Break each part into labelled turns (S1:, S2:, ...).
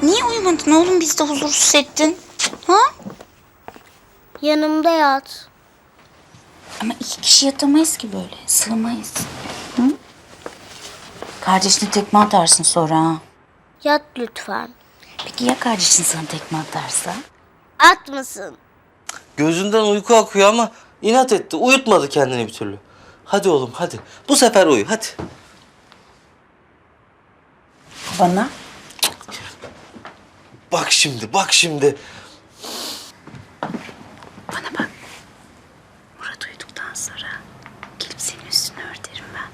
S1: Niye uyumadın oğlum, biz de huzursuz hissettin? Ha?
S2: Yanımda yat.
S1: Ama 2 kişi yatamayız ki böyle. Sığmayız. Hı? Kardeşine tekme atarsın sonra ha.
S2: Yat lütfen.
S1: Peki ya kardeşin sana tekme atarsa?
S2: Atmasın.
S3: Gözünden uyku akıyor ama inat etti. Uyutmadı kendini bir türlü. Hadi oğlum hadi. Bu sefer uyu hadi.
S1: Bana?
S3: Bak şimdi bak şimdi.
S1: Bana bak. Murat uyuduktan sonra gelip senin üstünü örterim ben.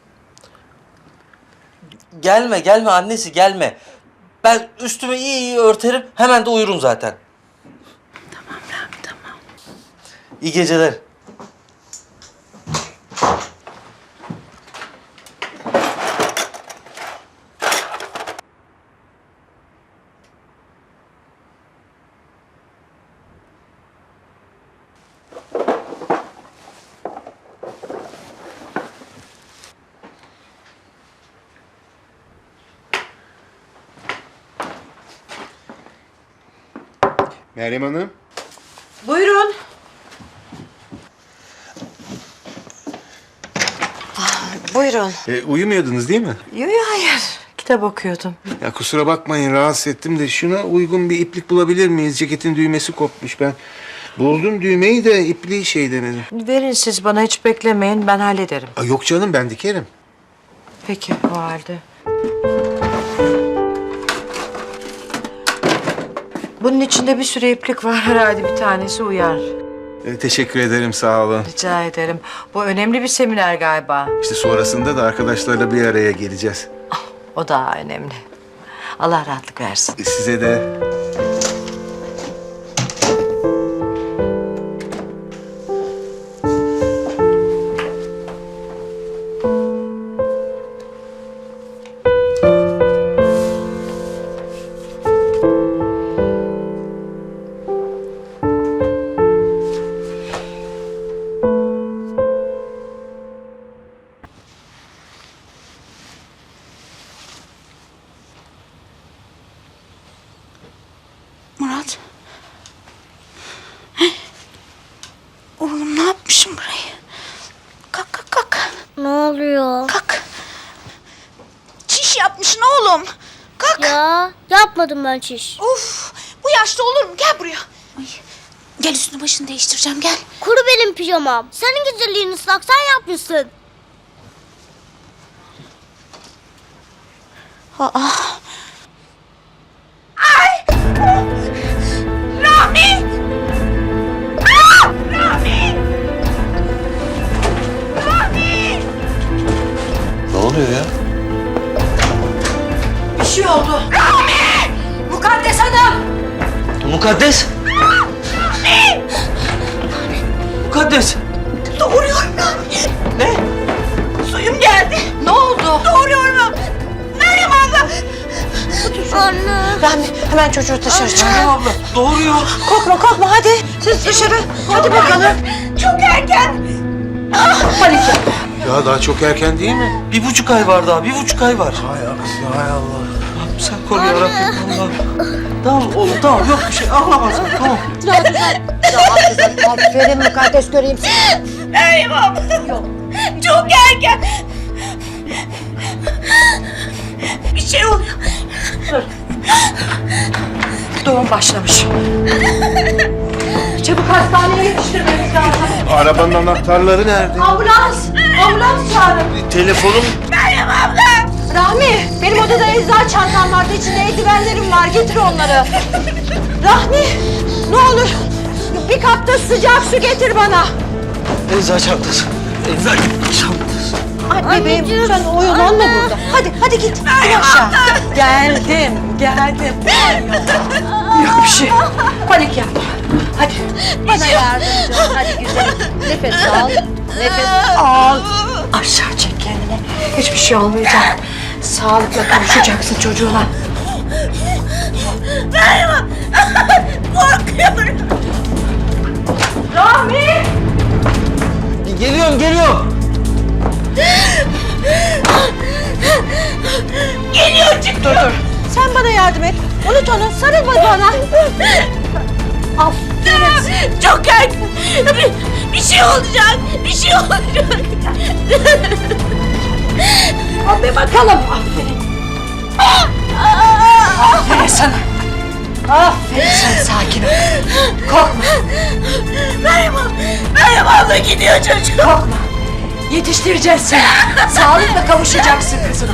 S3: Gelme gelme annesi gelme. Ben üstümü iyi örterim. Hemen de uyurum zaten.
S1: Tamam Rami, tamam.
S3: İyi geceler.
S4: Meryem Hanım.
S5: Buyurun. Buyurun.
S4: Uyumuyordunuz değil mi?
S5: Yo, hayır. Kitap okuyordum.
S4: Ya kusura bakmayın rahatsız ettim de şuna uygun bir iplik bulabilir miyiz? Ceketin düğmesi kopmuş ben. Buldum düğmeyi de ipliği şey denedim.
S5: Verin siz bana, hiç beklemeyin, ben hallederim.
S4: Yok canım ben dikerim.
S5: Peki o halde. Bunun içinde bir sürü iplik var, herhalde bir tanesi uyar.
S4: Teşekkür ederim sağ olun.
S5: Rica ederim. Bu önemli bir seminer galiba.
S4: İşte sonrasında da arkadaşlarla bir araya geleceğiz.
S5: O daha önemli. Allah rahatlık versin.
S4: Size de.
S1: Murat. Heh. Oğlum ne yapmışım burayı? Kalk kalk kalk.
S2: Ne oluyor?
S1: Kalk. Çiş yapmışsın oğlum. Kalk.
S2: Ya yapmadım ben çiş.
S1: Of, bu yaşta olur mu? Gel buraya. Ay. Gel üstünü başını değiştireceğim, gel.
S2: Kuru benim pijamam. Senin güzelliğin ıslak, sen yapmışsın.
S1: Aa. Ay! Rami! Aa! Rami! Rami!
S3: Ne oluyor ya?
S5: Bir şey oldu. Rami! Mukaddes Hanım!
S3: Mukaddes! Mukaddes!
S1: Doğuruyorum Rami.
S3: Ne?
S1: Suyum geldi.
S5: Ne oldu?
S1: Doğuruyorum. Meryem abla.
S2: Anne.
S5: Rami, hemen çocuğu dışarı çıkar.
S3: Meryem abla doğuruyor.
S5: Korkma korkma, hadi. Siz dışarı. Hadi bakalım.
S1: Çok erken.
S5: Panik yap.
S4: Ya daha çok erken değil mi?
S3: 1,5 ay var daha 1,5 ay var.
S4: Hay aksi hay Allah.
S3: Rabbim sen koru ya Rabbim Allah'ım. Tamam oğlum tamam yok bir şey ağlamazsın tamam.
S5: Aferin Mukaddes, göreyim seni.
S1: Meryem abla. Çok erken. Bir şey oluyor.
S5: Doğum başlamış. Çabuk hastaneye yetiştirmemiz lazım.
S4: Arabanın anahtarları nerede?
S5: Ambulans! Ambulans çağırın.
S3: Telefonum
S1: Meryem abla.
S5: Rahmi, benim odada eczacı çantam vardı. İçinde eldivenlerim var. Getir onları. Rahmi, ne olur bir kapta sıcak su getir bana.
S3: eczacı çantası. Eczacı çantası.
S5: Anne bebeğim, sen oyalanma burada. Hadi git. İn aşağı. Geldim. Yok bir şey. Panik yapma. Hadi. Bana yardımcı ol. Hadi güzelim. Nefes al. Nefes al. Aşağı çek kendini. Hiçbir şey olmayacak. Sağlıkla kavuşacaksın çocuğuna.
S1: Meryem abla. Korkuyorum.
S5: Rahmi!
S3: Geliyorum
S1: Geliyor çık.
S5: Dur. Sen bana yardım et. Unut onu. Sarıl bana. Aferin.
S2: Çok erken. Bir şey olacak. Bir şey olacak.
S5: Hadi bakalım. Aferin. Aferin sana. Aferin sen, sakin ol. Korkma.
S2: Meryem abla gidiyor çocuk.
S5: Korkma. Yetiştireceğiz seni. Sağlıkla kavuşacaksın kızına.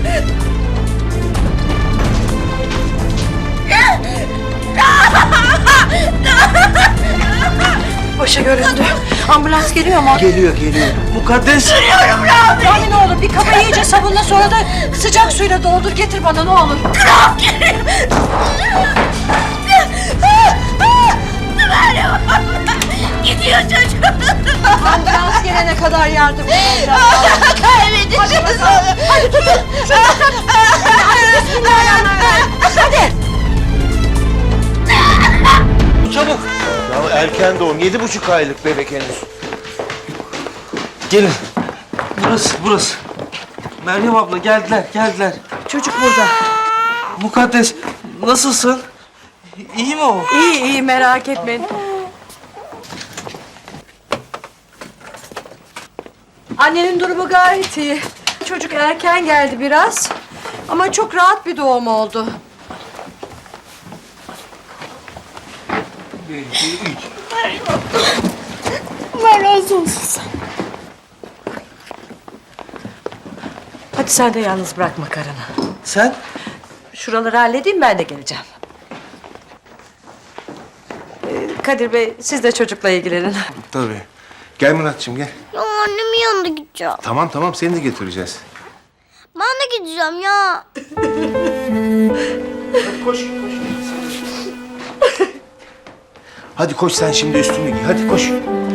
S5: Başı göründü. Ambulans geliyor mu?
S4: Geliyor.
S3: Mukaddes.
S5: Yani ne olur bir kaba iyice sabunla, sonra da sıcak suyla doldur getir bana, ne olur.
S2: Gidiyor çocuk.
S5: Ambulans gelene kadar yardım edeceğim.
S2: Kaybedeceğiz onu.
S5: Hadi tutun. Bismillahirrahmanirrahim. Hadi.
S3: Çabuk.
S4: Ya erken doğum. 7,5 aylık bebek henüz.
S3: Gelin. Burası. Meryem abla geldiler.
S5: Çocuk burada.
S3: Mukaddes nasılsın? İyi mi o?
S5: İyi merak etmeyin. Annenin durumu gayet iyi. Çocuk erken geldi biraz. Ama çok rahat bir doğum oldu.
S2: Allah razı olsun sen.
S5: Hadi sen de yalnız bırakma karını.
S3: Sen?
S5: Şuraları halledeyim, ben de geleceğim. Kadir Bey, siz de çocukla ilgilenin.
S4: Tabii. Gel Muratçım gel.
S2: Ya annemin yanına gideceğim.
S4: Tamam seni de götüreceğiz.
S2: Ben de gideceğim ya.
S4: Koş. Hadi koş sen şimdi üstünü giy. Hadi koş.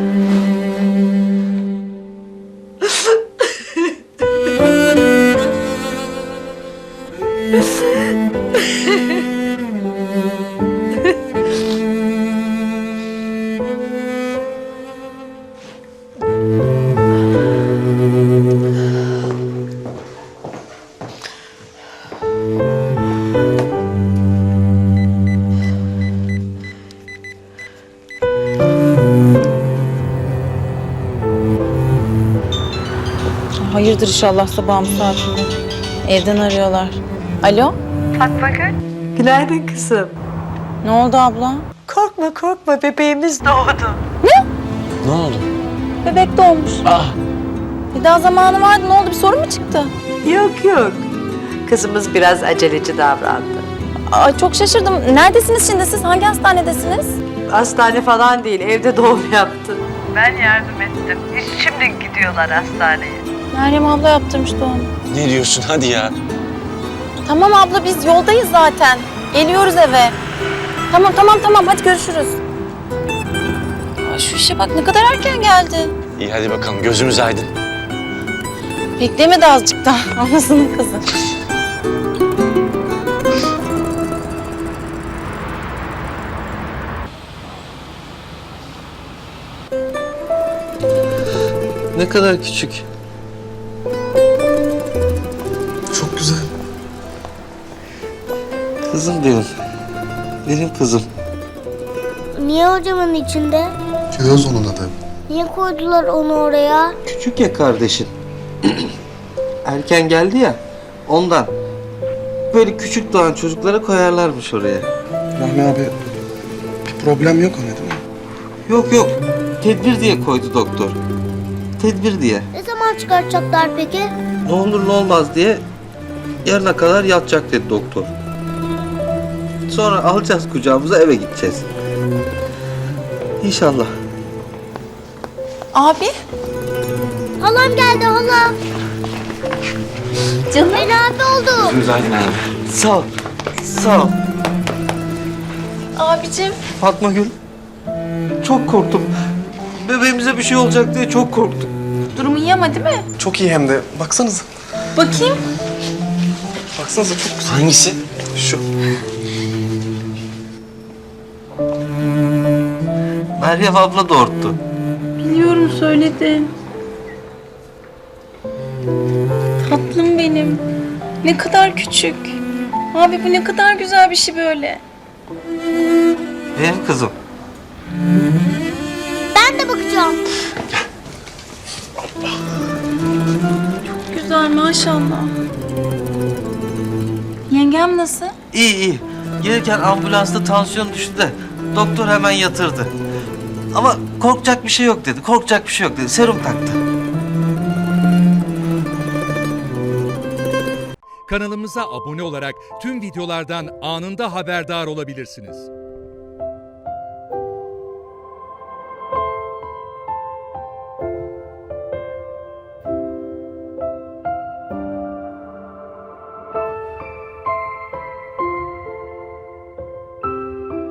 S1: Hayırdır inşallah sabahın saatinde. Evden arıyorlar. Alo?
S5: Günaydın kızım.
S1: Ne oldu abla?
S5: Korkma, bebeğimiz doğdu.
S3: Ne oldu?
S1: Bebek doğmuş. Daha zamanı vardı. Ne oldu? Bir sorun mu çıktı?
S5: Yok. Kızımız biraz aceleci davrandı.
S1: Ay çok şaşırdım. Neredesiniz şimdi siz? Hangi hastanedesiniz?
S5: Hastane falan değil, evde doğum yaptı. Ben yardım ettim. Şimdi gidiyorlar hastaneye.
S1: Meryem abla yaptırmış doğum.
S6: Ne diyorsun hadi ya?
S1: Tamam abla biz yoldayız zaten. Geliyoruz eve. Tamam hadi görüşürüz. Ay şu işe bak ne kadar erken geldi.
S6: İyi hadi bakalım gözümüz aydın.
S1: Beklemedi azıcık daha. Anasının kızı.
S3: Ne kadar küçük.
S6: Çok güzel.
S3: Kızım benim. Benim kızım.
S2: Niye hocamın içinde?
S6: Kiraz onun adı.
S2: Niye koydular onu oraya?
S3: Küçük ya kardeşin. Erken geldi ya. Ondan. Böyle küçük doğan çocuklara koyarlarmış oraya.
S6: Rahmi abi bir problem yok ona değil mi?
S3: Yok. Tedbir diye koydu doktor. Tedbir diye.
S2: Ne zaman çıkartacaklar peki?
S3: Ne olur ne olmaz diye yarına kadar yatacak dedi doktor. Sonra alacağız kucağımıza eve gideceğiz. İnşallah.
S1: Abi.
S2: Halam geldi halam.
S1: Canım.
S2: Ali abi oldu.
S6: Gözümüz aydın abi.
S3: Sağ ol. Sağ ol.
S1: Abicim.
S3: Fatma Gül. Çok korktum. Bebeğimize bir şey olacak diye çok korktum.
S1: Durumu iyi ama değil mi?
S6: Çok iyi hem de. Baksanıza.
S1: Bakayım.
S6: Baksanıza çok güzel. Hangisi? Şu.
S3: Meryem abla doğurttu.
S1: Biliyorum söyledim. Tatlım benim. Ne kadar küçük. Abi bu ne kadar güzel bir şey böyle.
S3: Benim kızım.
S2: Ben de bakacağım.
S1: Güzel maşallah. Yengem nasıl?
S3: İyi iyi. Gelirken ambulansta tansiyon düştü de doktor hemen yatırdı. Ama korkacak bir şey yok dedi. Korkacak bir şey yok dedi. Serum taktı.
S7: Kanalımıza abone olarak tüm videolardan anında haberdar olabilirsiniz.